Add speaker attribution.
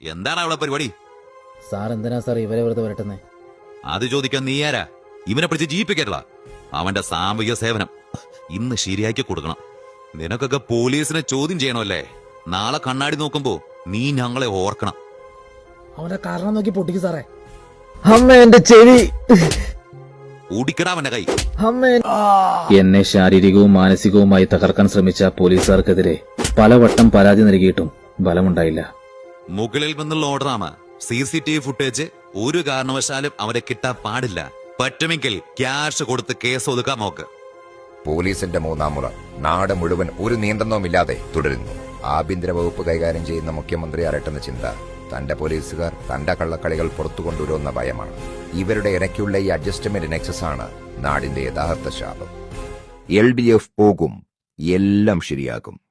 Speaker 1: എന്താണ് അവളെ പരിപാടി?
Speaker 2: സാർ എന്തിനാ സാർ ഇവരെ വെറുതെ വരട്ടുന്നേ?
Speaker 1: അത് ചോദിക്കാൻ നീ ആരാ? ഇവനെ പിടിച്ച് ജീവിപ്പിക്കരുള. അവന്റെ സാമൂഹിക സേവനം ഇന്ന് ശരിയാക്കി കൊടുക്കണം. നിനക്കൊക്കെ പോലീസിനെ ചോദ്യം ചെയ്യണമല്ലേ? നാളെ കണ്ണാടി നോക്കുമ്പോ നീ ഞങ്ങളെ ഓർക്കണം.
Speaker 2: അവന്റെ കാരണം നോക്കി പൊട്ടിക്ക് സാറേ. അമ്മ എന്റെ ചെവി
Speaker 1: ഓടിക്കടാ അവന്റെ കൈ.
Speaker 2: എന്നെ ശാരീരികവും മാനസികവുമായി തകർക്കാൻ ശ്രമിച്ച പോലീസുകാർക്കെതിരെ പലവട്ടം പരാതി നൽകിയിട്ടും ഫലമുണ്ടായില്ല.
Speaker 1: മുകളിൽ നിന്നുള്ള ഓർഡറാണ്. CCTV ഫുട്ടേജ് ഒരു കാരണവശാലും അവരെ കിട്ടാൻ പാടില്ല. പറ്റുമെങ്കിൽ ക്യാഷ് കൊടുത്ത് കേസ് ഒതുക്കാൻ നോക്ക്.
Speaker 3: പോലീസിന്റെ മൂന്നാം മുറ നാട് മുഴുവൻ ഒരു നിയന്ത്രണവുമില്ലാതെ തുടരുന്നു. ആഭ്യന്തര വകുപ്പ് കൈകാര്യം ചെയ്യുന്ന മുഖ്യമന്ത്രി അരട്ടുന്ന ചിന്ത തന്റെ പോലീസുകാർ തന്റെ കള്ളക്കളികൾ പുറത്തു കൊണ്ടുവരുന്ന ഭയമാണ്. ഇവരുടെ ഇടയ്ക്കുള്ള ഈ അഡ്ജസ്റ്റ്മെന്റ് നെക്സസ് ആണ് നാടിന്റെ യഥാർത്ഥ ശാപം. LDF പോകും, എല്ലാം ശരിയാകും.